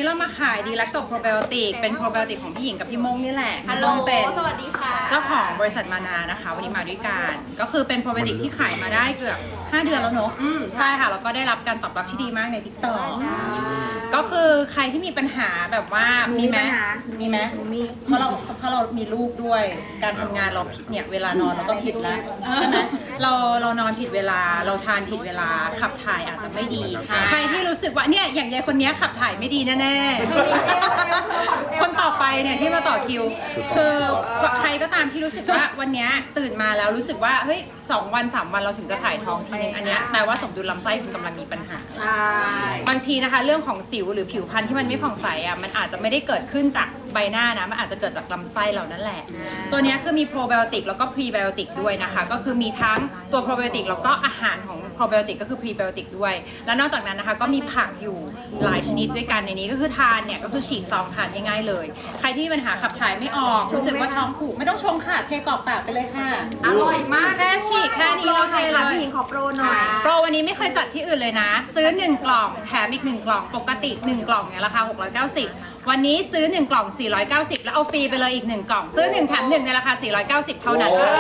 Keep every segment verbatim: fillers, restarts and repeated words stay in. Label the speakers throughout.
Speaker 1: เรามาขายดีแลคโตโปรไบโอติกเป็นโปรไบโอติกของพี่หญิงกับพี่มงนี่แหละ
Speaker 2: ฮัลโหล
Speaker 1: เป็น
Speaker 2: สวัสดีค่ะ
Speaker 1: เจ้าของบริษัทมานานะคะวันนี้มาด้วยกันก็คือเป็นโปรไบโอติกที่ขายมาได้เกือบห้าเดือนแล้วเนอะอืมใช่ค่ะแล้วก็ได้รับการตอบรับที่ดีมากใน ติ๊กต็อก ก็คือใครที่มีปัญหาแบบว่ามีไหมมีไหมมีเพราะเราเพราะเรามีลูกด้วยการทำงานเราผิดเนี่ยเวลานอนเราก็ผิดแล้วใช่ไหมเราเรานอนผิดเวลาเราทานผิดเวลาขับถ่ายอาจจะไม่ดีใครที่รู้สึกว่าเนี่ยอย่างยายคนนี้ขับถ่ายไม่ดีแน่ๆคนต่อไปเนี่ยที่มาต่อคิวคือใครก็ตามที่รู้สึกว่าวันนี้ตื่นมาแล้วรู้สึกว่าเฮ้ยสองวันสามวันเราถึงจะถ่ายท้องทีนึงอันเนี้ยแปลว่าสมดุลลำไส้คุณกำลังมีปัญหา
Speaker 2: ใช่
Speaker 1: บางทีนะคะเรื่องของสิวหรือผิวพรรณที่มันไม่ผ่องใสอ่ะมันอาจจะไม่ได้เกิดขึ้นจากใบหน้านะมันอาจจะเกิดจากลำไส้เรานั่นแหละตัวนี้คือมีโปรไบโอติกแล้วก็พรีไบโอติกด้วยนะคะก็คือมีทั้งตัวโปรไบโอติกแล้วก็อาหารของโปรไบโอติกก็คือพรีไบโอติกด้วยแล้วนอกจากนั้นนะคะก็มีผักอยู่หลายชนิดด้วยกันในนี้ก็คือทานเนี่ยก็คือฉีกซองทานง่ายๆเลยใครที่มีปัญหาขับถ่ายไม่ออกรู้สึกว่าท้องผูกไม่ต้องชงค่ะเทกรอบปากไปเลยค่ะ
Speaker 2: อร่อยมาก
Speaker 1: แค่ฉีกแค่นี้เราเทเลย
Speaker 3: พี่หญิงขอโปรหน่อย
Speaker 1: โปรวันนี้ไม่เคยจัดที่อื่นเลยนะ ซื้อหนึ่งกล่องแถมอีกหนึ่งกล่องปกติหนึ่งกล่องเนี่ยราคาหกร้อยเก้าสิบวันนี้ซื้อหนึ่งกล่องสี่ร้อยเก้าสิบแล้วเอาฟรีไปเลยอีกหนึ่งกล่องซื้อหนึ่งแถมหนึ่งในราคาสี่ร้อยเก้าสิบเท่านั้นค่ะ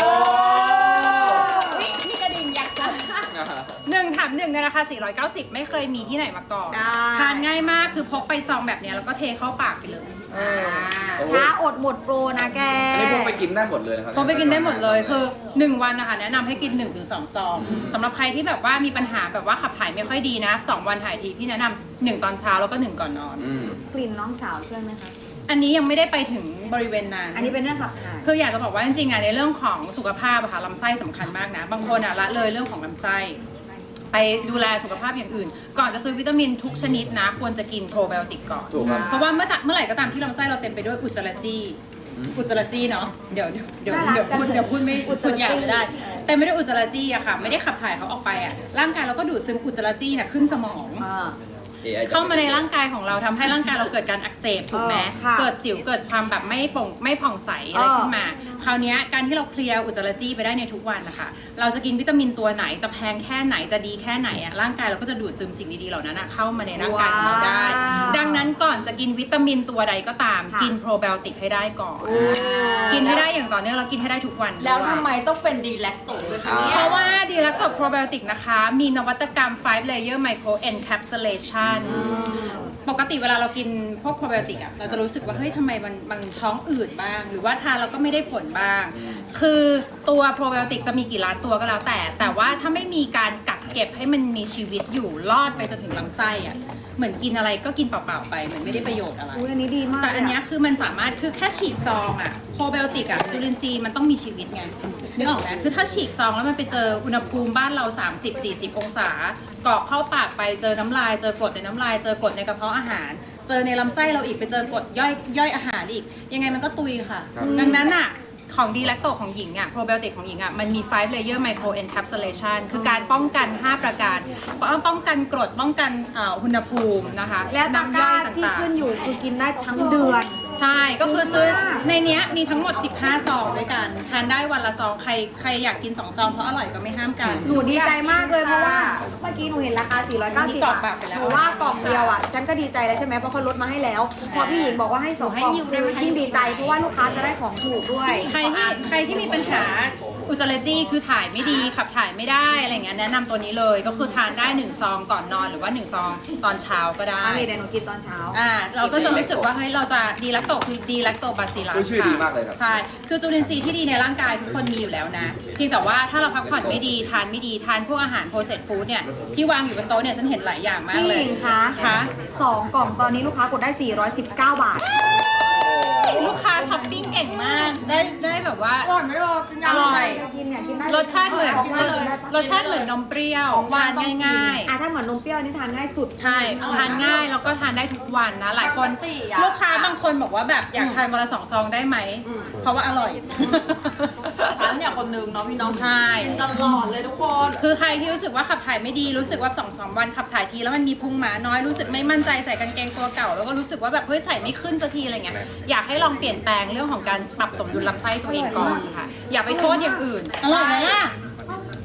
Speaker 2: มีกระดิ่งยักษ์
Speaker 1: หนึ่งแถมหนึ่งในราคาสี่ร้อยเก้าสิบไม่เคยมีที่ไหนมาก่อนทานง่ายมากคือพกไปซองแบบนี้แล้วก็เทเข้าปากไปเลย
Speaker 3: ช้าอดหมดโปรนะแก
Speaker 4: อันนี้พวกไปกินได้หมดเลยนะครับ
Speaker 1: พกไปกินได้หมดเลยคือหนึ่งวันนะคะแนะนำให้กินหนึ่งถึงสองซองสำหรับใครที่แบบว่ามีปัญหาแบบว่าขับถ่ายไม่ค่อยดีนะสองวันถ่ายทีพี่แนะนำหนึ่งตอนเช้าแล้วก็หนึ่งก่อนนอน
Speaker 4: อืม
Speaker 3: กลิ่นน้องสาวช่วยไหมคะ
Speaker 1: อันนี้ยังไม่ได้ไปถึงบริเวณนั้น
Speaker 3: อันนี้เป็นเรื่องขับถ่าย
Speaker 1: คืออยากจะบอกว่าจริงๆอะในเรื่องของสุขภาพอะค่ะลำไส้สำคัญมากนะ บางคนอะละเลยเรื่องของลำไส้ไปดูแลสุขภาพอย่างอื่น ก่อนจะซื้อวิตามินทุกชนิดนะควรจะกินโปรไบโอติกก่อน
Speaker 4: ถูกครับ
Speaker 1: เพราะว่าเมื่อเมื่อไหร่ก็ตามที่ลำไส้เราเต็มไปด้วยอุจจาระจี้อุจจาระจี้เนาะเดี๋ยวเดี๋ยวเดี๋ยวเดี๋ยวพูดเดี๋ยวพูดไม่พูดอย่างไม่ได้เต็มไปด้วยอุจจาระจี้อะค่ะไม่ได้ขับถ่ายเขาออกไปอะร่างกายเราก็ดูดซึมอุจจาระจี้น่ะขึ้นสมอง
Speaker 4: เอไอ
Speaker 1: เข้ามาในร่างกายของเราทำให้ร่างกายเราเกิดการอักเสบถูกไหม
Speaker 3: เออค่ะ
Speaker 1: เกิดสิวเกิดความแบบไม่โปร่งไม่ผ่องใสอะไร
Speaker 3: เออ
Speaker 1: ขึ้นมา คราวนี้การที่เราเคลียร์อุจจาระจี้ไปได้ในทุกวันนะคะเราจะกินวิตามินตัวไหนจะแพงแค่ไหนจะดีแค่ไหนอะร่างกายเราก็จะดูดซึมสิ่งดีๆเหล่านั้นอะเข้ามาในร่างกายของเราได้ ดังนั้นก่อนจะกินวิตามินตัวใดก็ตาม
Speaker 3: ค่ะ
Speaker 1: กินโปรไบโอติกให้ได้ก่อนกินให้ได้อย่างต่อเนื่องแล้วกินให้ได้ทุกวัน
Speaker 2: แล้วทำ
Speaker 1: ด้วย
Speaker 2: ไมต้องเป็นดีแลคโตด้วยคะเนี่ย
Speaker 1: เพราะว่าดีแลคโตโปรไบโอติกนะคะมีนวัตกรรม five layer micro encapsulation ปกติเวลาเรากินพวกโปรไบโอติกอะเราจะรู้สึกว่าเฮ้ยทำไมมันมันท้องอืดบ้าง หรือว่าทานเราก็ไม่ได้ผลบ้าง คือตัวโปรไบโอติกจะมีกี่ล้านตัวก็แล้วแต่ แต่ว่าถ้าไม่มีการกักเก็บให้มันมีชีวิตอยู่รอดไปจนถึงลำไส้อะเหมือนกินอะไรก็กินเปล่าๆไปเหมือนไม่ได้ประโยชน์อะไร
Speaker 3: อุ้ยอันนี้ดีมาก
Speaker 1: แต่อันเนี้
Speaker 3: เลย
Speaker 1: ยคือมันสามารถคือแค่ฉีกซองอะโปรไบโอติกอะจุลินทรีย์มันต้องมีชีวิตไงนึกออกไหมคือถ้าฉีกซองแล้วมันไปเจออุณหภูมิบ้านเรา สามสิบสี่สิบ องศากรอกเข้าปากไปเจอน้ำลายเจอกรดในน้ำลายเจอกรดในกระเพาะอาหาร เจอในลำไส้เราอีกไปเจอกรดย่อยย่อยอาหารอีก ยังไงมันก็ตุยค่ะ ดังนั้นอะของดีแลคโตของหญิงอะโปรไบโอติกของหญิงอะมันมี five layer micro encapsulation คือการป้องกัน ห้า ประการป้องกันกรดป้องกันอ่าอุณหภูมินะคะ
Speaker 3: และตะกร้าที่
Speaker 1: ต่างๆ
Speaker 3: ขึ้นอยู่คือกินได้ทั้งเดือน
Speaker 1: ใช่ ก็คือซื้อในเนี้ยมีทั้งหมดสิบห้าซองด้วยกัน ทานได้วันละซอง ใครใครอยากกินสองซองเพราะอร่อยก็ไม่ห้ามกัน
Speaker 3: หนูดีใจมากเลยเพราะว่าเมื่อกี้หนูเห็นราคาสี่ร้อยเก้าสิบ
Speaker 1: นี่กรอบ
Speaker 3: อะ
Speaker 1: ปากไปแล้ว
Speaker 3: หนูว่ากล่องเดียวอ่ะฉันก็ดีใจแล้วใช่ไหมเพราะเขาลดมาให้แล้ว พอพี่หญิงบอกว่าให้สองกล่องคือยิ่งดีใจเพราะว่าลูกค้าจะได้ของถูกด้วย
Speaker 1: ใครที่ใครที่มีปัญหาอุจจาระจี้คือถ่ายไม่ดีขับถ่ายไม่ได้อะไรเงี้ยแนะนำตัวนี้เลยก็คือทานได้หนึ่งซองก่อนนอนหรือว่าหนึ่งซองตอนเช้าก็ได้
Speaker 3: อ่ะเดี๋ยวหนูกินตอนเช้า
Speaker 1: อ่าเราก็จะรู้สึกว่าเฮ้ยเราจะดีแลคโตคือดีแลคโตบาซิลัส
Speaker 4: ชื่อดีมากเลยครับ
Speaker 1: ใช่คือจุลินทรีย์ที่ดีในร่างกายทุกคนมีอยู่แล้วนะเพียงแต่ว่าถ้าเราพักผ่อนไม่ดีทานไม่ดีทานพวกอาหารโปรเซสฟู้ดเนี่ยที่วางอยู่บนโต๊ะเนี่ยฉันเห็นหลายอย่างมาก
Speaker 3: พี่
Speaker 1: เล
Speaker 3: ห
Speaker 1: ย
Speaker 3: ญิงคะ
Speaker 1: คะ
Speaker 3: สองกล่องตอนนี้ลูกค้ากดได้สี่ร้อยสิบเก้าบาท
Speaker 1: ลูกค้าช้อปปิ้งเก่งมากได้ได้แบบว่า
Speaker 2: อร่อยไหมลูกกิน
Speaker 1: อ
Speaker 2: ยัง
Speaker 1: ร่อย
Speaker 3: กินเนี่ยกินได้
Speaker 1: รสชาติเหมือน
Speaker 3: กินได้เลย
Speaker 1: รสชาติเหมือนนมเปรี้ยวหวานง่าย
Speaker 3: อ่ะถ้าเหมือนนมเปรี้ยวนี่ทานง่ายสุด
Speaker 1: ๆ ใช่ทานง่ายแล้วก็ทานได้ทุกวันนะหลายคน
Speaker 2: ปกติอะ
Speaker 1: ลูกค้าบางคนบอกว่าแบบอยากทานวันละสองซองได้ไหมเพราะว่าอร่อย
Speaker 2: ฉันเนี่ยคนนึงเนาะพี่น้อง
Speaker 1: ใช่
Speaker 2: กินตลอดเลยทุกคน
Speaker 1: คือใครที่รู้สึกว่าขับถ่ายไม่ดีรู้สึกว่าสองสามวันขับถ่ายทีแล้วมันมีพุงหมาน้อยรู้สึกไม่มั่นใจใส่กางเกงตัวเก่าแล้วก็รู้สึกว่าแบบเฮ้ยใส่ไม่ขึ้นสักทีอะไรเงี้ยอยากให้ลองเปลี่ยนแปลงเรื่องของการปรับสมดุลลำไส้ตัวเองก่อนค่ะอย่าไปโทษอย่างอื่นอร่อยไหมล่ะ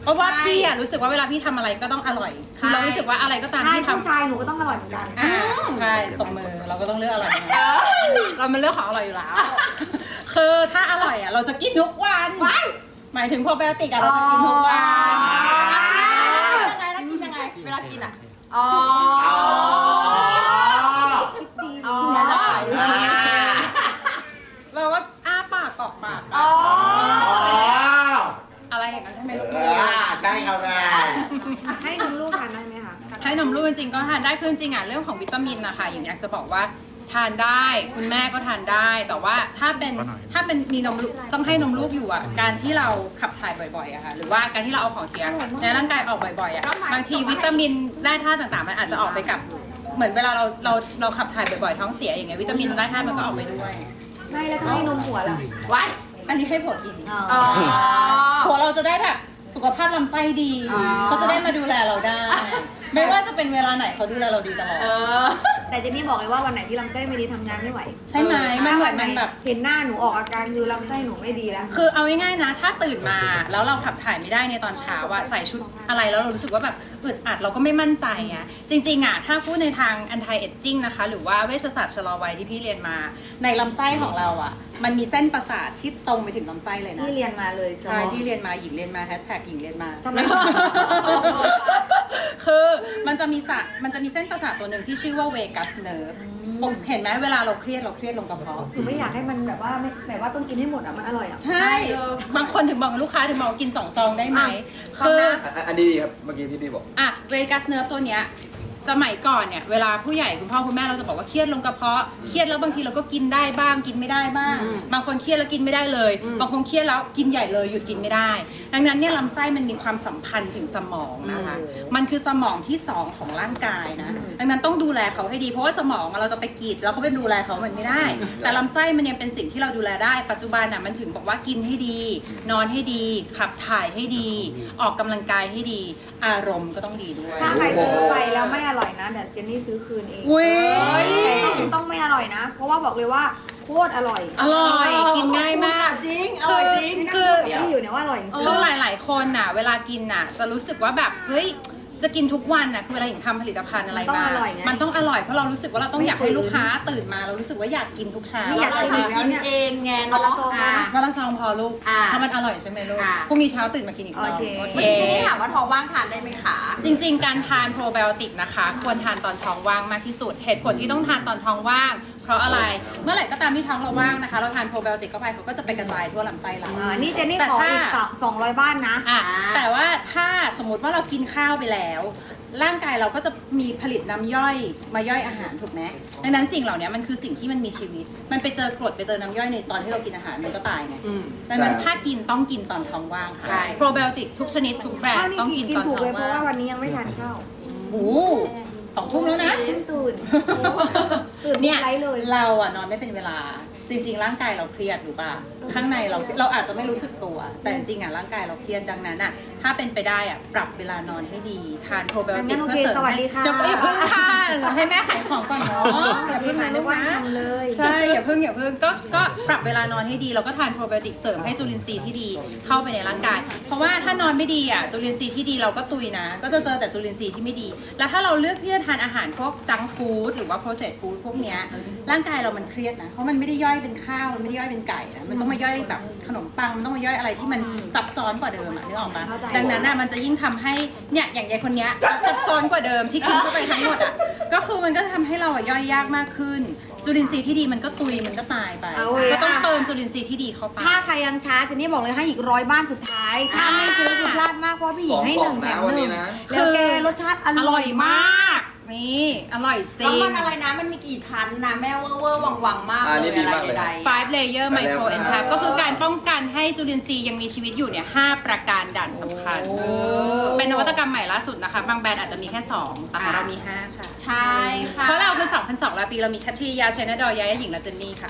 Speaker 1: เพราะว่าพี่อะรู้สึกว่าเวลาพี่ทำอะไรก็ต้องอร่อยคือเรารู้สึกว่าอะไรก็ตาม
Speaker 3: ใช่
Speaker 1: ที่
Speaker 3: ผู้
Speaker 1: ทำ
Speaker 3: ชายหนูก็ต้องอร่อยเหมือนกัน
Speaker 1: อ่าใช่ตบมือเราก็ต้องเลือกอร่อยนะเรามันเลือกของอร่อยอยู่แล้ว คือถ้าอร่อยอ่ะเราจะกินทุกวันหมายถึงโปรไบโอติกอะเราจะกินทุกวัน
Speaker 2: ยังไงแล้วกินยังไง เวลากินอ่ะ อ๋อ อ๋อ
Speaker 1: เราก็อ้าปากกรอกปาก
Speaker 2: อ๋อ
Speaker 1: อะไรอย่างนั้นใช่ไหมลูก
Speaker 5: อ่าใช่ครับแม่
Speaker 3: ให้นมลูกทานได้ไหมคะ
Speaker 1: ให้นมลูกจริงๆก็ทานได้คือจริงๆอ่ะเรื่องของวิตามินนะคะอย่างอยากจะบอกว่าทานได้คุณแม่ก็ทานได้ แต่ว่าถ้าเป็นถ้าเป็นมีนมลูกต้องให้นมลูกอยู่อ่ะการที่เราขับถ่ายบ่อยๆอะค่ะหรือว่าการที่เราเอาของเสียในร่างกายออกบ่อยๆอ่ะบางทีวิตามินแร่ธาตุต่างๆมันอาจจะออกไปกับเหมือนเวลาเราเราเราขับถ่ายบ่อยๆท้องเสียอย่างเงี้ยวิตามินแร่ธาตุมันก็ออกไปด้วย
Speaker 3: ไม่แล้วถ้าให้นมหัวล่ะ
Speaker 2: ไว้
Speaker 1: อันนี้ให้ผัวกิน
Speaker 2: อ๋อ
Speaker 1: ผัวเราจะได้แบบสุขภาพลำไส้ดี
Speaker 2: อ๋อ
Speaker 1: เขาจะได้มาดูแลเราได้ ไม่ว่าจะเป็นเวลาไหนเขาดูแลเราดีตลอด
Speaker 2: เออ
Speaker 3: แต่เจนนี่บอกเลยว่าวันไหนที่ลำไส้ไม่ดีทำงานไม่ไหว
Speaker 1: ใช่ไหมมันเหมือนมันแบบ
Speaker 3: เห็นหน้าหนูออกอาการคือลำไส้หนูไม่ดีแล้ว
Speaker 1: คือเอาง่ายๆนะ ถ้าตื่นมาแล้วเราขับถ่ายไม่ได้ในตอนเช้าอะใส่ชุดอะไรแล้วเรารู้สึกว่าแบบอึดอัดเราก็ไม่มั่นใจอะจริงๆอะถ้าพูดในทาง anti aging นะคะ หรือว่าเวชศาสตร์ชะลอวัยที่พี่เรียนมา ในลำไส้ของเราอะมันมีเส้นประสาทที่ตรงไปถึงลำไส้เลยนะ
Speaker 3: พี่เรียนมาเลย
Speaker 1: ใช่พี่เรียนมาหญิงเรียนมาแฮชแท็กหญิงเรียนมา
Speaker 3: ทำไม
Speaker 1: คือมันจะมีสะมันจะมีเส้นประสาทตัวหนึ่งที่ชื่อว่าเวกัสเนิร์ฟเห็นไหมเวลาเราเครียดเราเครียดลงกระเพาะ
Speaker 3: หนูไม่อยากให้มันแบบว่าไม่แบบว่าต้องกินให้หมดอ่ะมันอร่อยอ่ะ
Speaker 1: ใช่ บางคนถึงบอกกับลูกค้าถึงบอกว่ากินสองซองได้ไหม
Speaker 3: อ่ะ
Speaker 1: คือ
Speaker 3: ฟังนะ
Speaker 4: อันอันนี้ดีครับ เมื่อกี้ที่พี่บอก
Speaker 1: อ่ะเวกัสเนิร์ฟตัวเนี้ยสมัยก่อนเนี่ยเวลาผู้ใหญ่คุณพ่อคุณแม่เราจะบอกว่าเครียดลงกระเพาะเครียดแล้วบางทีเราก็กินได้บ้างกินไม่ได้บ้าง บางคนเครียดแล้วกินไม่ได้เลย บางคนเครียดแล้วกินใหญ่เลยหยุดกินไม่ได้ ดังนั้นเนี่ยลำไส้มันมีความสัมพันธ์ถึงสมองนะคะมันคือสมองที่สองของร่างกายนะดังนั้นต้องดูแลเขาให้ดีเพราะว่าสมองอะเราจะไปกรีดแล้วก็ไปดูแลเขามันไม่ได้ แต่ลำไส้มันยังเป็นสิ่งที่เราดูแลได้ ปัจจุบันน่ะมันถึงบอกว่ากินให้ดี นอนให้ดี ขับถ่ายให้ดี ออกกำลังกายให้ดี อารมณ์ก็ต้องดีด้วย
Speaker 3: ถ้าใครซื้อไปแล้วไม่อร่อยนะเดี๋ยวเจนนี่ซื้อคืนเอง
Speaker 1: อุ๊ย
Speaker 3: แต่ต้องต้องไม่อร่อยนะ เพราะว่าบอกเลยว่าโคตรอร่อย
Speaker 1: อร่อยกินง่ายมาก
Speaker 2: จริง อร่อยจริง
Speaker 3: นี่นั่ง
Speaker 1: คือ
Speaker 3: พูดกับพี่อยู่เนี่ยว่าอร่อยจริง
Speaker 1: คือหลายๆคนน่ะ เวลากินน่ะ จะรู้สึกว่าแบบเฮ้ยจะกินทุกวันน่ะคือเวลาหญิงทำผลิตภัณฑ์อะไร
Speaker 3: มันต้อง
Speaker 1: มา
Speaker 3: อร่อยไง
Speaker 1: มันต้องอร่อยเพราะเรารู้สึกว่าเราต้อง
Speaker 3: ไม่
Speaker 1: อยากให้
Speaker 3: ฝืน
Speaker 1: ลูกค้าตื่นมาเรารู้สึกว่าอยากกินทุกเช้า
Speaker 3: ไม่อยาก
Speaker 2: เรา
Speaker 3: กิน
Speaker 2: ทำกินเองไงเนาะอ่ะ
Speaker 1: วันละซองพอลูก
Speaker 2: อ่า
Speaker 1: ถ้ามันอร่อยใช่ไหมลูก
Speaker 2: อ่า
Speaker 1: พรุ่งนี้เช้าตื่นมากินอีกซอง
Speaker 3: โอเค
Speaker 1: โอเค
Speaker 2: เมื่อกี้เจนนี่ถามว่าท้องว่างทานได้ไหมคะ
Speaker 1: จริงๆ การทานโปรไบโอติกนะคะ ควรทานตอนท้องว่างมากที่สุด เหตุผลที่ต้องทานตอนท้องว่าง เพราะอะไร เมื่อไหร่ก็ตามที่ท้องเราว่างนะคะ เราทานโปรไบโอติกเข้าไปเขาก็จะไปกระจายทั่วลำไส้เรา
Speaker 3: อ่านี่เจนนี่
Speaker 1: แต่
Speaker 3: ขอ
Speaker 1: ถ้า
Speaker 3: อีกสองร้อยบ้านนะ
Speaker 1: อ่ะแต่ว่าถ้าสมมติว่าเรากินข้าวไปแล้ว ร่างกายเราก็จะมีผลิตน้ำย่อยมาย่อยอาหารถูกไหมดังนั้นสิ่งเหล่านี้มันคือสิ่งที่มันมีชีวิต มันไปเจอกรดไปเจอน้ำย่อยในตอนที่เรากินอาหารมันก็ตายไง
Speaker 2: อืม
Speaker 1: ดังนั้น
Speaker 4: ใช่
Speaker 1: ถ้ากินต้องกินตอนท้องว่างค่ะ
Speaker 2: ใช่
Speaker 1: โปรไบโอติกทุกชนิดทุกแบรน
Speaker 3: ข้าว
Speaker 1: ด์
Speaker 3: นี่
Speaker 1: ต้อง
Speaker 3: กิ
Speaker 1: กิ
Speaker 3: น
Speaker 1: น
Speaker 3: กิน
Speaker 1: ตอน
Speaker 3: ถู
Speaker 1: ท้
Speaker 3: ก
Speaker 1: อง
Speaker 3: เลยเพราะ
Speaker 1: ว่า
Speaker 3: ว่าง วันนี้ยังไม่ทานข้าว
Speaker 1: โอ้โหสองทุ่มแล้วนะ
Speaker 3: ตื่นตื่น
Speaker 1: เนี่ย
Speaker 3: ไรเลย
Speaker 1: เราอะนอนไม่เป็นเวลาจริง ๆ ร่างกายเราเครียดหรือเปล่าข้างในเราเราอาจจะไม่รู้สึกตัว แต่จริงๆอะร่างกายเราเครียดดังนั้นอะถ้าเป็นไปได้อะปรับเวลานอนให้ดีทานโปรไบโอติก
Speaker 3: งั้นโอ
Speaker 1: เพื่อ
Speaker 3: เค
Speaker 1: เสริม
Speaker 3: สวัส
Speaker 1: ให้
Speaker 3: ดีค่ะ
Speaker 1: เดี๋ยวก็อย่าเพิ่งทานให้แม่ขายของก่อนเนาะอย่าเพิ่งนะลูกนะ
Speaker 3: ทำเลย
Speaker 1: ใช่อย่าเพิ่งอย่าเพิ่งก็ก็ปรับเวลานอนให้ดีแล้วก็ทานโปรไบโอติกเสริมให้จุลินทรีย์ที่ดีเข้าไปในร่างกาย เพราะว่าถ้านอนไม่ดีอ่ะจุลินทรีย์ที่ดีเราก็ตุยนะ ก็จะเจอแต่จุลินทรีย์ที่ไม่ดี แล้วถ้าเราเลือกที่จะทานอาหารพวกจังฟู้ดหรือว่า processed food พวกเนี้ยร่างกายเรามันเครียดนะเพราะมันไม่ได้ย่อยเป็นข้าวมันไม่ได้ย่อยเป็นไก่นะมันต้องมาย่อยแบบขนมปังมันต้องมาย่อยอะไรที่มันซับซ้อนกว่าเดิมอ่ะนึกออกปะ
Speaker 3: เข้าใจ
Speaker 1: ดังนั้นอ่ะมันจะยิ่งทำให้เนี่ยอย่างยายคนเนี้ยซับซ้อนกว่าเดิมที่กินเข้าไปทั้งหมดอ่ะก็คือมันก็ทำให้เราอ่ะย่อยยากมากขึ้น จุลินทรีย์ที่ดีมันก็ตุยมันก็ตายไป
Speaker 3: เอาเว้ย
Speaker 1: ก็ต้องเติมจุลินทรีย์ที่ดีเข้าไป
Speaker 3: ถ้าใครยังช้าเจนนี่บอกเลยให้อีกร้อยบ้านสุดท้าย ถ้าไม่ซื้อคือพลาดมากเพราะว่าพี่หญิงให้หนึ่งแถมหนึ่งแล้วแกรสชาติอ
Speaker 1: อ
Speaker 3: ร่
Speaker 1: ร่
Speaker 3: อ
Speaker 1: อย ย
Speaker 3: มาก
Speaker 1: มาก นี่ อร่อยจริ
Speaker 2: แล้ว
Speaker 1: ง
Speaker 2: มันอะไรนะ มันมีกี่ชั้นนะ แม่เวอร์เวอร์วังวังๆมาก
Speaker 4: อ่า
Speaker 2: เล
Speaker 4: นี่
Speaker 2: ย
Speaker 4: ดี
Speaker 2: อะไร
Speaker 4: มากเลย
Speaker 2: ใด
Speaker 1: five layer micro encap ก็คือการป้องกันให้จุลินทรีย์ยังมีชีวิตอยู่เนี่ยห้าประการด่านสำคัญ เป็นนวัตกรรมใหม่ล่าสุดนะคะ บางแบรนด์อาจจะมีแค่สองแต่ของเรามีห้าค่ะ
Speaker 2: ๆใช่ค่ะ
Speaker 1: เพราะเราคือสองพันสองราตรีเรามีแคทรียาชัยนาดอยยายาหญิงและเจนนี่ค่ะ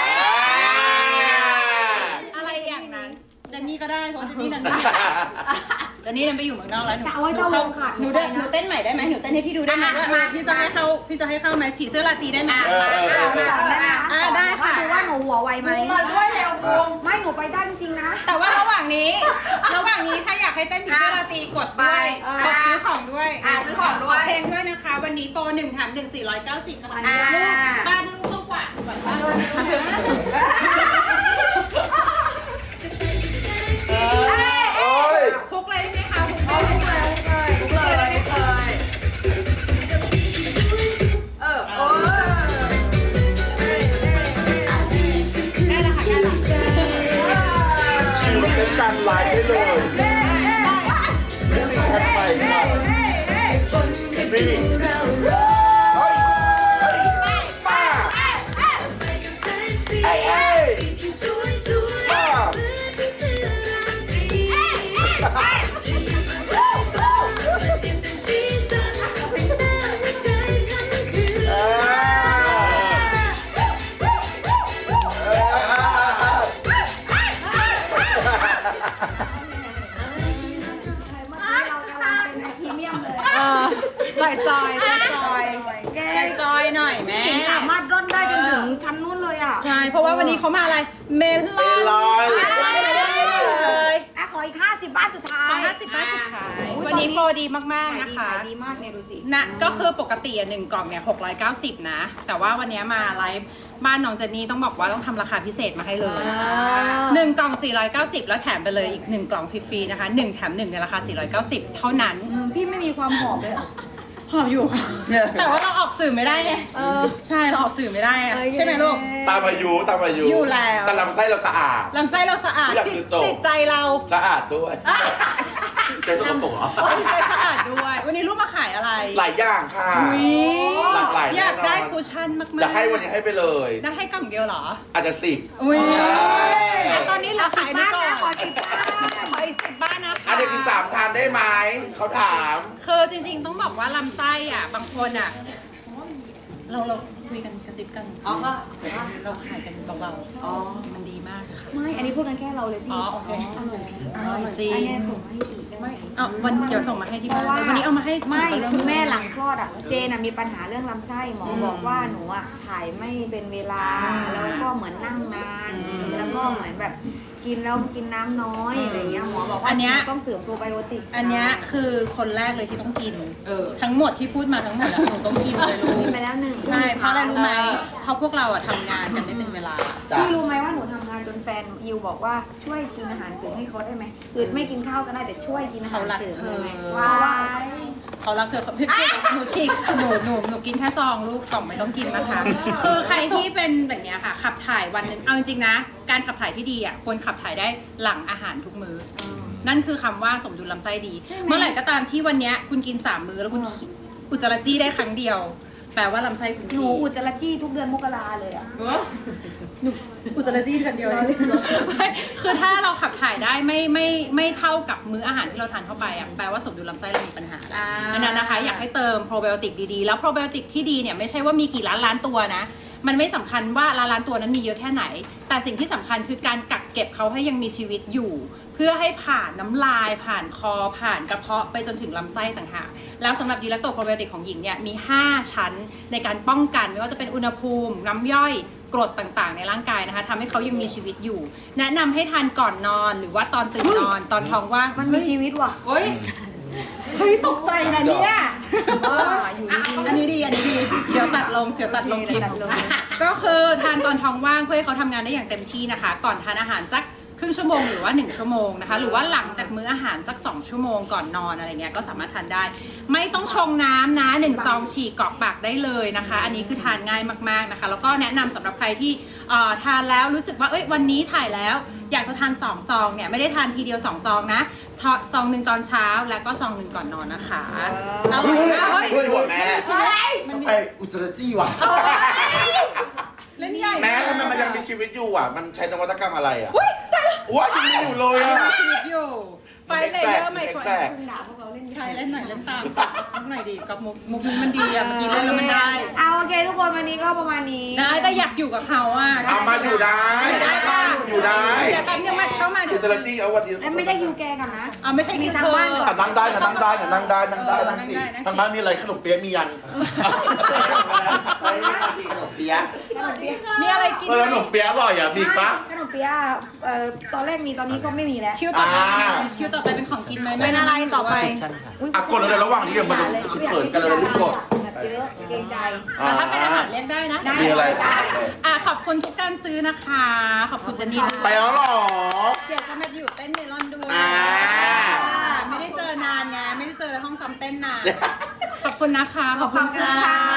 Speaker 1: อะไรอย่างนั้น เจนนี่ก็ได้เพราะเจนนี่นั่นเจนนี่นั่นไปอยู่เมืองนอกแล้วหนู
Speaker 3: จะเอาไว้เจ้าวงขาด
Speaker 1: หนูเต้นหนูเต้นใหม่ได้ไหมหนูเต้นให้พี่ดูได้ไหมว่าเออพี่จะให้เข้าพี่จะให้เข้าไหมผีเสื้อราตรีได้ไหม
Speaker 5: เออเออเออ
Speaker 3: ก่อนนะคะ
Speaker 1: อ่าได้ค่ะ
Speaker 3: ดูว่าหนูหัวไวไหม
Speaker 2: มาด้วยเร็วพุง
Speaker 3: ไม่หนูไปได้จริงๆนะ
Speaker 1: แต่ว่าระหว่างนี้ ระหว่างนี้ถ้าอยากให้เต้นผีเสื้อราตรีกดด้วย
Speaker 3: อ่ะ
Speaker 1: กดซื้อของด้วย
Speaker 2: อ่ะซื้อของด้วย
Speaker 1: เพลงด้วยนะคะ วันนี้โปรหนึ่งแถมหนึ่งสี่ร้อยเก้าสิบนะคะ
Speaker 2: อ่า
Speaker 1: ลูกบ้านลูกลูกกว่าก่อนบ้านลูกพุกเลยได้ไหมคะพุกเลย
Speaker 2: พุงเลยพุงเลยเออโอ้
Speaker 1: ได้แล้วค่ะได้แล้ว
Speaker 5: ชิวเป็นการไลฟ์ได้เลยไม่มีแค่ไฟค่ะนี่เฮ้ยเฮ้ยป้าไอ้ไอ้ป้า
Speaker 1: เออจอยจอยจอยจอยจอยจอยหน่อยแม่
Speaker 3: หญิงสามารถร่อนได้จนถึงชั้นนู้นเลยอ่ะ
Speaker 1: ใช่ เพราะว่าวันนี้เขามาอะไร เมลอน
Speaker 5: เมลอน
Speaker 1: เลย
Speaker 3: อ่ะขออีกห้าสิบบ้านสุดท้าย
Speaker 1: ขอห้าสิบบ้านสุดท้าย
Speaker 3: อุ๊ย
Speaker 1: วันนี้
Speaker 3: ตอ
Speaker 1: โปรดีมากๆนะคะ
Speaker 3: ขายดีมากเนี่ยดูสิ
Speaker 1: นะก็คือปกติอ่ะหนึ่งกล่องเนี่ยหกร้อยเก้าสิบนะ แต่ว่าวันนี้มาไลฟ์บ้านน้องเจนนี่ต้องบอกว่าต้องทำราคาพิเศษมาให้เลย
Speaker 3: อ่า
Speaker 1: หนึ่งกล่องสี่ร้อยเก้าสิบแล้วแถมไปเลยอีกหนึ่งกล่องฟรีๆนะคะหนึ่งแถมหนึ่งในราคาสี่ร้อยเก้าสิบเท่านั้น
Speaker 3: อืมพี่ไม่มีความหอมเลยเหรอ
Speaker 1: หอมอยู่ แต่ว่าเราออกสื่อไม่ได้ไง
Speaker 3: เออ
Speaker 1: ใช่เราออกสื่อไม่ได้อะ
Speaker 3: โอเค
Speaker 1: ใช่ไหมลูก
Speaker 5: ตามอายุตามอายุ
Speaker 1: อยู่แล้ว
Speaker 5: แต่ลำไส้เราสะอาด
Speaker 1: ลำไส้เราสะอาด
Speaker 5: อยาก
Speaker 1: จิต
Speaker 5: คือจบ
Speaker 1: จิตใจเรา
Speaker 5: สะอาดด้วยใจสกปรกเหรอ
Speaker 1: จิตใจสะอาดด้วย วันนี้ลูกมาขายอะไร
Speaker 5: หลายอย่างค่ะ
Speaker 1: อุ๊ย
Speaker 5: หลากหลายแน่นอน
Speaker 1: อยากได้คุชชั่นมากๆ
Speaker 5: อยากให้วันนี้ให้ไปเลย
Speaker 1: ได้ให้กล่องเดียวเหรอ
Speaker 5: อาจจะสิบ
Speaker 1: อุ้ย
Speaker 3: อ่ะตอนนี้เหลือสิบบ้านนะขอสิบบ้าน
Speaker 1: ขออีกสิบบ้านนะคะ
Speaker 5: อาจจะกินสามทานได้ไหมเขาถาม
Speaker 1: คือจริงๆต้องบอกว่าลำไส้อ่ะ บางคนอ่ะ เราเราคุยกันกระซิบกัน
Speaker 2: อ๋อก็
Speaker 1: เราขายกันเบา
Speaker 3: อ๋อ
Speaker 1: ๆมันดีมากค่ะ
Speaker 3: ไม่อันนี้พูดกันแค่เราเลยพี่
Speaker 1: อ๋อโอเค
Speaker 3: อร่อย
Speaker 1: อร่อยจริง
Speaker 3: อันนี้ส่งมาให้อีกได้ไหม
Speaker 1: เอาวันเดี๋ยวส่งมาให้ที่
Speaker 3: เพ
Speaker 1: บ้าน
Speaker 3: ราะว่า
Speaker 1: วันนี้เอามาให้
Speaker 3: ไม่
Speaker 1: ถุงละ
Speaker 3: คุณแม่หลังคลอดอ่ะเจนอะมีปัญหาเรื่องลำไส้หมอบอกว่าหนูอ่ะถ่ายไม่เป็นเวลา แล้วก็เหมือนนั่งนาน แล้วก็เหมือนแบบกินแล้วกินน้ำน้อยอะไรเงี้ยหมอบอกว่า
Speaker 1: อันเนี้ย
Speaker 3: ต้องเสริมโปรไบโอติก
Speaker 1: อันเนี้ยคือคนแรกเลยที่ต้องกิน
Speaker 2: เออ
Speaker 1: ทั้งหมดที่พูดมาทั้งหมดอะหนูต้องกินเลยลู
Speaker 3: กิน
Speaker 1: ก
Speaker 3: ไปแล้วหนึ่ง
Speaker 1: ใช่เพราะอะไรรู้ไหมเพราะพวกเราอะทำงานกันไม่เป็นเวลา
Speaker 5: จ้ะ
Speaker 3: พี่รู้ไหมว่าหนูทำงานจนแฟนยิวบอกว่าช่วยกินอาหารเสริมให้เขาได้ไหมคือไม่กินข้าวก็ได้แต่ช่วยกินอาหารเสริมเลยไหม
Speaker 1: เขารักเธอ
Speaker 3: ว้าว
Speaker 1: เขารักเธอพี่พี่หนูฉีกหนูหนูหนูกินแค่ซองลูกกล่องไม่ต้องกินนะคะ คือใครที่เป็นแบบเนี้ยค่ะขับถ่ายวันหนึ่งเอาจริงๆนะ การขับถ่ายที่ดีอ่ะควรขับถ่ายได้หลังอาหารทุกมื้ออนั่นคือคำว่าสมดุลลำไส้ดี เมื่อไหร่ก็ตามที่วันเนี้ยคุณกินสามมื้อแล้วคุณอุจจาระจี้ได้ครั้งเดียว แปลว่าลำไส้คุณ
Speaker 3: หนู
Speaker 1: ดี
Speaker 3: อุจจาระจี้ทุกเดือนมกราเลยอ่ะ
Speaker 1: หนูอุจจาระจี้เดือนเดียวเลยไม่คือถ้าเราขับถ่ายได้ไม่ไม่ไม่เท่ากับมื้ออาหารที่เราทานเข้าไปอ่ะแปลว่าสมดุลลำไส้เรามีปัญหา
Speaker 3: อ่า
Speaker 1: อันนั้นนะคะอยากให้เติมโปรไบโอติกดีๆ แล้วโปรไบโอติกที่ดีเนี่ยไม่ใช่ว่ามีกี่ล้านล้านตัวนะ มันไม่สำคัญว่าล้านล้านตัวนั้นมีเยอะแค่ไหน แต่สิ่งที่สำคัญคือการกักเก็บเขาให้ยังมีชีวิตอยู่ เพื่อให้ผ่านน้ำลาย ผ่านคอ ผ่านกระเพาะไปจนถึงลำไส้ต่างหาก แล้วสำหรับดีแลคโตโปรไบโอติกของหญิงเนี่ยมี ห้า ชั้นในการป้องกันไม่ว่าจะเป็นอุณหภูมิ น้ำย่อย กรดต่างๆ ในร่างกายนะคะทำให้เขายังมีชีวิตอยู่ แนะนำให้ทานก่อนนอนหรือว่าตอนตื่นนอนตอนท้องว่าง
Speaker 3: มันมีชีวิตว่ะ
Speaker 2: เฮ้ย
Speaker 1: เฮ้ยตกใจนะเนี่ย
Speaker 3: อ่าอยู่ดีๆ
Speaker 1: อันนี้ดี อันนี้ดี เดี๋ยวตัดลง เดี๋ยวตัดลงคลิป
Speaker 3: ตัดลง
Speaker 1: ก็คือทานตอนท้องว่างเพื่อให้เขาทำงานได้อย่างเต็มที่นะคะ ก่อนทานอาหารสักครึ่งชั่วโมงหรือว่าหนึ่งชั่วโมงนะคะ หรือว่าหลังจากมื้ออาหารสักสองชั่วโมงก่อนนอนอะไรเงี้ยก็สามารถทานได้ ไม่ต้องชงน้ำนะหนึ่งซองฉีกกรอกปากได้เลยนะคะ อันนี้คือทานง่ายมากๆนะคะ แล้วก็แนะนำสำหรับใครที่เอ่อทานแล้วรู้สึกว่าเอ้ยวันนี้ถ่ายแล้ว อยากจะทานสองซองเนี่ยไม่ได้ทานทีเดียวสองซองนะทอซองหนึ่งตอนเช้าแล้วก็ซองหนึ่งก่อนนอนนะคะอร่อยมากเฮ้ย
Speaker 5: ช่วยหัวแม่
Speaker 1: มันมี
Speaker 5: ไปอุจจาระจี้ว่ะ
Speaker 1: เล่นใหญ่
Speaker 5: แม้ทำไมมันยังมีชีวิตอยู่อ่ะ มันใช้นวัตกรรมอะไรอ่ะว้ายังมีอยู่เลยอ่ะ
Speaker 1: มีชีวิตอยู่ฝไฟเลเยอร์ไมโคร
Speaker 5: แทรก
Speaker 3: คุณด่าพวกเราเล่น
Speaker 1: ใช่เล่นหน่อยเล่นตามมุกหน่อยดีกับมุกมุกนี้มันดีอะเมื่อกี้เล่นแล้วมันได้
Speaker 3: เอาโอเคทุกคนวันนี้ก็ประมาณนี้
Speaker 1: ได้แต่อยากอยู่กับเขาอ่ะ
Speaker 5: เอามาอยู่ได้
Speaker 1: ได้ป่ะ
Speaker 5: อยู่ได้
Speaker 1: เดี๋ยวแป๊บนึงมาเข้ามา
Speaker 5: เดี๋ยวจะจี้เอาวันนี้
Speaker 3: แล้วไม่ได้คิวแกกันนะ
Speaker 1: เอาไม่ใช่
Speaker 3: มี
Speaker 1: คิว
Speaker 3: ทาง
Speaker 1: เธอ
Speaker 3: บ้านก่อ
Speaker 5: อ่ะนั่งได้นะนั่งได้นะนั่งได้นั่งได้นั่งสิ
Speaker 1: นั่งได้นั่งสิ
Speaker 5: ทางบ้านมีอะไรขนมเปี๊ยะมียันขนมเปี๊ยะ
Speaker 3: ขนมเปี๊ยะ
Speaker 1: มีอะไรกิน
Speaker 5: เออขนมเปี๊ยะอร่อยอ่ะมีอีกปะ
Speaker 3: ขนมเปี๊ยะเอ่อตอนแรกมีตอนนี้ก็ไม่มีแล้ว
Speaker 1: คิวต่อไป
Speaker 5: อ่า
Speaker 1: คิวต่อไปเป็นของกินไหม
Speaker 3: เป็นอะไรต่อไป
Speaker 5: อ่ะกดเลยระหว่างนี้เดี๋ยวมันจะเขินกันเลยรีบกด
Speaker 3: แบบเยอะเกรงใจ
Speaker 1: แต่ถ้าเป็นอาหารเรียกได้นะ
Speaker 3: ได้
Speaker 5: มีอะไร
Speaker 3: ได้
Speaker 1: อ่ะขอบคุณทุกการซื้อนะคะ ขอบคุณเจนนี่ด้วย
Speaker 5: ไปแล้วเหรอ
Speaker 1: เดี๋ยวจะมาอยู่เต้นเมลอนด้วย
Speaker 5: อ่า
Speaker 1: ไม่ได้เจอนานไงไม่ได้เจอห้องซ้อมเต้นนาน ขอบคุณนะคะ
Speaker 3: ขอบคุณค่ะ